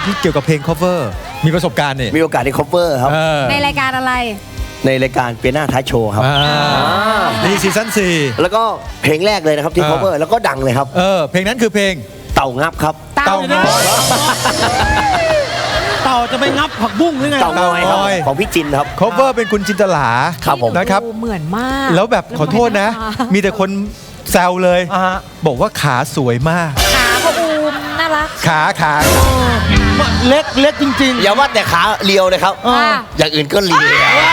ที่เกี่ยวกับเพลง cover มีประสบการณ์นี่มีโอกาสได้ cover ครับในรายการอะไรในรายการเปียโนท้ายโชว์ครับนี่ซีซั่น4 แล้วก็เพลงแรกเลยนะครับที่ cover แล้วก็ดังเลยครับเพลงนั้นคือเพลงเต่างับครับเต่าง้อยเต่าจะไปงับผักบุ้งหรือไงเต่างอยครับเต่างอยของพี่จินครับ cover เป็นคุณจินตลาครับผมนะครับเหมือนมากแล้วแบบขอโทษนะ มีแต่คนแซวเลย บอกว่าขาสวยมากขาพ่ออูมน่ารักขาเล็กจริงอย่าว่าแต่ขาเลียวเลยครับค่ะอย่างอื่นก็เลียว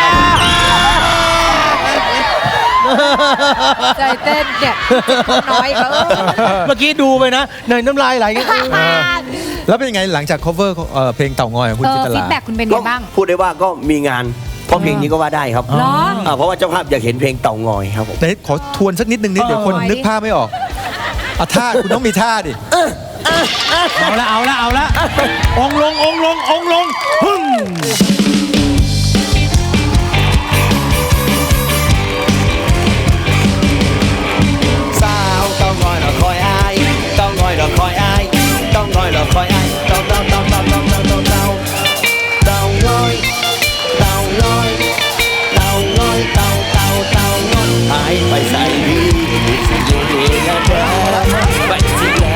ใจเต้นเนี่ยน้อยเขาๆ เมื่อกี้ดูไปนะเนยน้ำลายไหลกันแล้วเป็นยังไงหลังจาก cover เพลงเต่างอยของคุณจินตฟีลาดแบ็กคุณเป็นไงก็บ้างพูดได้ว่าก็มีงานเพราะเพลงนี้ก็ว่าได้ครับเหรอเพราะว่าเจ้าภาพอยากเห็นเพลงเต่างอยครับผมแต่ขอทวนสักนิดนึงนิดเดี๋ยวคนนึกภาพไม่ออกเอาท่าคุณต้องมีท่าดิเอาละองค์ลงพึ่งสาวเต่างอยเราคอยอายเต่างอยเราคอยอายเต่างอยเราคอยอายเต่าเต่างอยเต่างอยเต่างอยหายไปใส่ดีสิอยู่ดีแล้วเธอไปสิเลย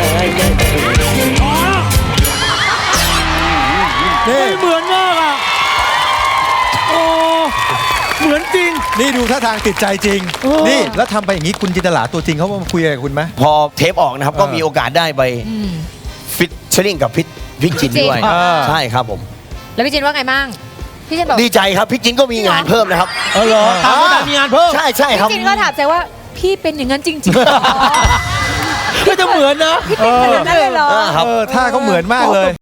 นี่เหมือนมากอ่ะโอ้เหมือนจริงนี่ดูท่าทางติดใจจริงโอ้นี่แล้วทำไปอย่างนี้คุณจินตลาตัวจริงเขามาคุยอะไรกับคุณไหมพอเทปออกนะครับก็มีโอกาสได้ไปฟิตเชอริงกับพี่จินด้วย ใช่ครับผมแล้วพี่จินว่าไงบ้างพี่จินบอกดีใจครับพี่จินก็มีงานเพิ่มนะครับเหรอตามก็ได้มีงานเพิ่มใช่ครับพี่จินก็ถามใจว่าพี่เป็นอย่างนั้นจริงๆเหรอก็จะเหมือนนะพี่เป็นขนาดนั้นเลยเหรอครับท่าเขาเหมือนมากเลย